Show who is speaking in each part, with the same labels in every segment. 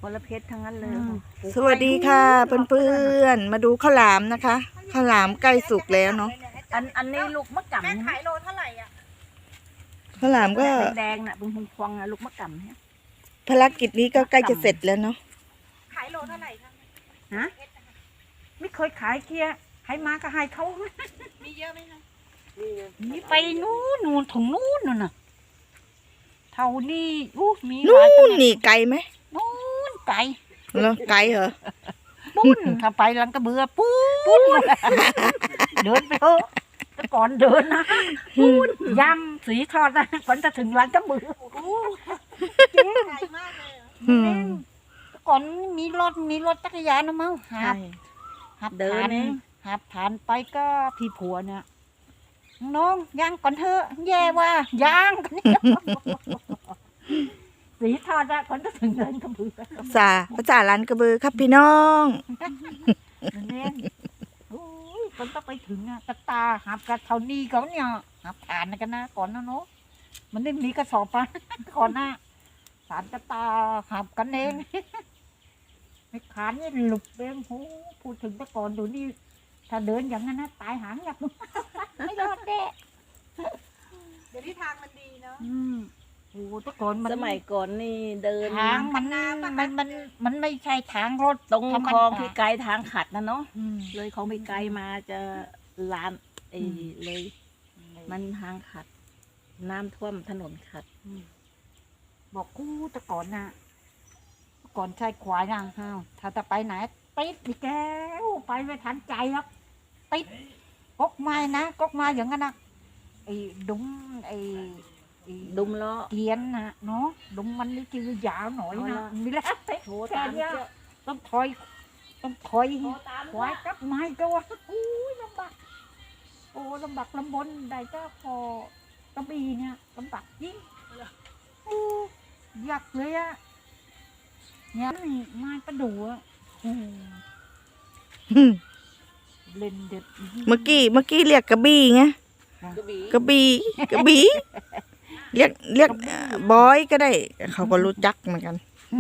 Speaker 1: คนละเพชรทั้งนั้นเลย
Speaker 2: สวัสดีค่ะเพื่อนๆมาดูข้าวหลามนะคะข้าวหลามใกล้สุกแล้วเนาะ
Speaker 1: อันนี้ลูกมะกำ
Speaker 3: แม่ขายโลเท่าไหร่อ่ะ
Speaker 2: ข้าวหลามก็
Speaker 1: แดงๆน่ะเป็นพวงๆนะลูกมะกำเนี่ย
Speaker 2: ภารกิจนี้ก็ใกล้จะเสร็จแล้วเนาะ
Speaker 3: ขายโลเท่าไหร่คะ
Speaker 1: ฮะไม่เคยขายเกียร์ให้มาก็ให้เขา
Speaker 3: มีเยอะไหมคะ
Speaker 1: นี่ไปนู่นถึงนู่นน่ะเท่านี้มีห
Speaker 2: นู่
Speaker 1: ลายข
Speaker 2: น
Speaker 1: นาด
Speaker 2: นี่ไกลไหม
Speaker 1: นู่นไก่
Speaker 2: เหรอไกลเหรอ
Speaker 1: ปุ้นถ้าไปลังกระเบือปุ้นเดินไปเถอะแต่ก่อนเดินนะปุ้นยำสีทอดนะก่อนจะถึงลังกระเบือ
Speaker 3: เจ๊ขายมากเลยเหรอ
Speaker 2: อืม
Speaker 1: แต่ก่อนมีรถจักรยานนะมั้งหับ
Speaker 3: เดิน
Speaker 1: ผ่าน
Speaker 3: เอง
Speaker 1: หับผ่านไปก็พี่ผัวเนี่ยน้องย่างก่อนเถอะแย่ว่าย่างกันเนี่ยสีทอดอะก่อนจะถึงลังกระเบือ
Speaker 2: ภาษาร้านกระบือครับพี่น้อง
Speaker 1: เน่นโอ้ยมันต้องไปถึงอะกระตาหับกระเท่านี้เขาเนี่ยหับผ่านกันนะก่อนนะเนาะมันไม่มีกระสอบปะก่อนหน้าสารกระตาหับกันเองไม่ขานนี่หลุดเองโหพูดถึงแต่ก่อนดูนี่ถ้าเดินอย่างนั้นนะตายหางอยากไม่รอดแน่
Speaker 3: เดี๋ยวนี้ทางมันดีเนาะ
Speaker 1: โอ้แต่ก่อนมัน
Speaker 4: สมัยก่อนนี่เดิน
Speaker 1: ทางมันไม่ใช่ทางรถ
Speaker 4: ตรง
Speaker 1: ธรรม
Speaker 4: คลอง
Speaker 1: ดา
Speaker 4: ที่ไกลทางขัดนะเนาะ
Speaker 1: อืม
Speaker 4: เลยคลองไปไกลมาจะลานเลย มันทางขัด น้ำท่วมถนนขัด
Speaker 1: บอกกูแต่ก่อนน่ะแต่ก่อนใช้ควายนะฮาวถ้าจะไปไหนติดนี่แกวไปไม่ทันใจหรอกติดกกไม้นะกกไม้อย่างนั้นนะไอ้ดุมไอ้
Speaker 4: ดุมล้อ
Speaker 1: เกียนนะเนาะดุมมันนี่คือยาวหน่อย
Speaker 4: เอา
Speaker 1: นะ
Speaker 4: ละ
Speaker 1: มีแล้วติด
Speaker 4: โถ
Speaker 1: แค่
Speaker 4: ตาม
Speaker 1: เนี้ย
Speaker 4: เจ้า
Speaker 1: ต้องถอยควายกับไม้ก็ว่าอู้ยลำบากโอ้ลำบากลำบนได้ก็พอกระบี่เนี่ยลำบากยิ่งอู้ยากเลยอะเนี่ยนี่ไม้ประดู่อะเล่นเด็ด
Speaker 2: เมื่อกี้เรียกกระบี่ไง
Speaker 4: กระบี่
Speaker 2: กระบี่เรียกบอยก็ได้ เขาก็รู้จักเหมือนกัน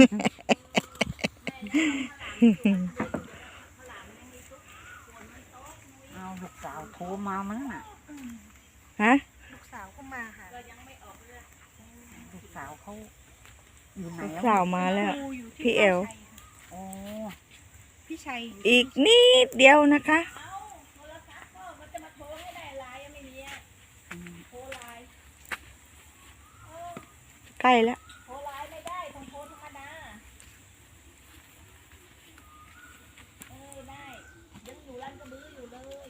Speaker 1: เอาลูกสาวโทรมามั้งน่ะ
Speaker 2: ฮะ
Speaker 3: ลูกสาวก็มาค่ะ
Speaker 1: ลูกสาวเขาอยู่ไหน
Speaker 2: ลูก
Speaker 1: อะ
Speaker 2: สาวมาแล้ว
Speaker 3: ดูอยู่ที่
Speaker 2: พี่แอล
Speaker 1: โอ้
Speaker 3: พี่ชัย
Speaker 2: อีกนิดเดียวนะคะ ใกล้แล้ว
Speaker 4: โทรไลน์ไม่ได้ต้องโทรธรรมดาได้ยังอยู่ร้านกระบืออยู่เลย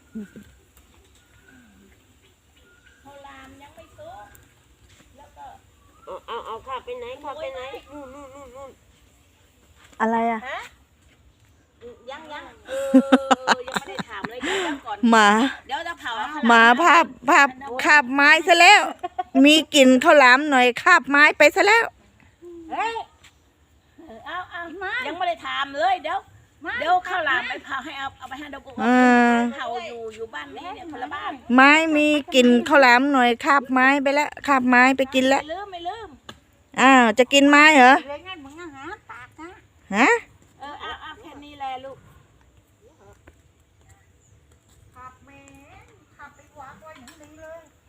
Speaker 4: โทรลามยังไม่ซุกแล้วก็เอาขับไปไหนขับไปไหนนู่น
Speaker 2: อะไรอ่ะ
Speaker 4: ยังยังไม่ได้ถามเลยเดี๋ยวก่อน
Speaker 2: หมา
Speaker 4: เดี๋ยวจะเผา
Speaker 2: หมาภาพคาบไม้ซะแล้ว มีกลิ่นข้าวหลามหน่อยคาบไม้ไปซะแล้ว
Speaker 1: เฮ้ย
Speaker 4: เอายังไม่ได้ถามเลยเดี๋ยวข้าวหลามไปเผาให้เอาไปให้ดอกกุ
Speaker 2: เออ
Speaker 4: เผาอยู่บ้านนี้เนี่ยคนละบ้าน
Speaker 2: ไม้มีกลิ่นข้าวหลามหน่อยคาบไม้ไปแล้วคาบไม้ไปกินแล้ว
Speaker 4: ไม่ลืม
Speaker 2: อ้าวจะกินไม้เหรอ
Speaker 1: เลยไงมึงอะหาปากนะ
Speaker 2: ฮะ
Speaker 4: เอาแค่นี้แหละลูก
Speaker 1: ขับแม่ขับไปหวานไว้อย่างนี้เลย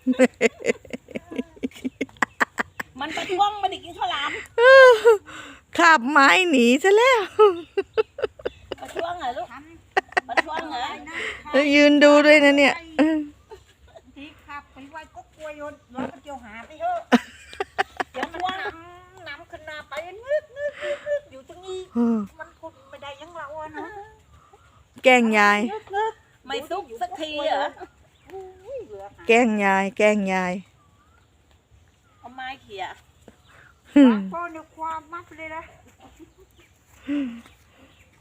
Speaker 4: มันไปท่วงมันได้กินข้าวหลาม
Speaker 2: คาบไม้หนีซะแล้ว
Speaker 4: ไปท่วงเหรอลูกไปท่วงเหรอ
Speaker 2: แล้วยืนดูด้วยนะเนี่ย
Speaker 1: ที่ขับไปไว้ก็กลัวยนแล้วก็เจียวหาไปเถอะ
Speaker 4: เดี๋ยวท่วง
Speaker 1: น้ำขึ้นหน้าไปนึกอยู่ตรงนี้มันทนไม่ได้อยังเราอะเนาะ
Speaker 2: แกล้งยาย
Speaker 4: ไม่ซุกสักทีเหรอ
Speaker 2: แกล้งยาย แกล้งยาย
Speaker 4: เอาไม้เขี่ย
Speaker 1: พ่อเนี่ยความมักเลยนะ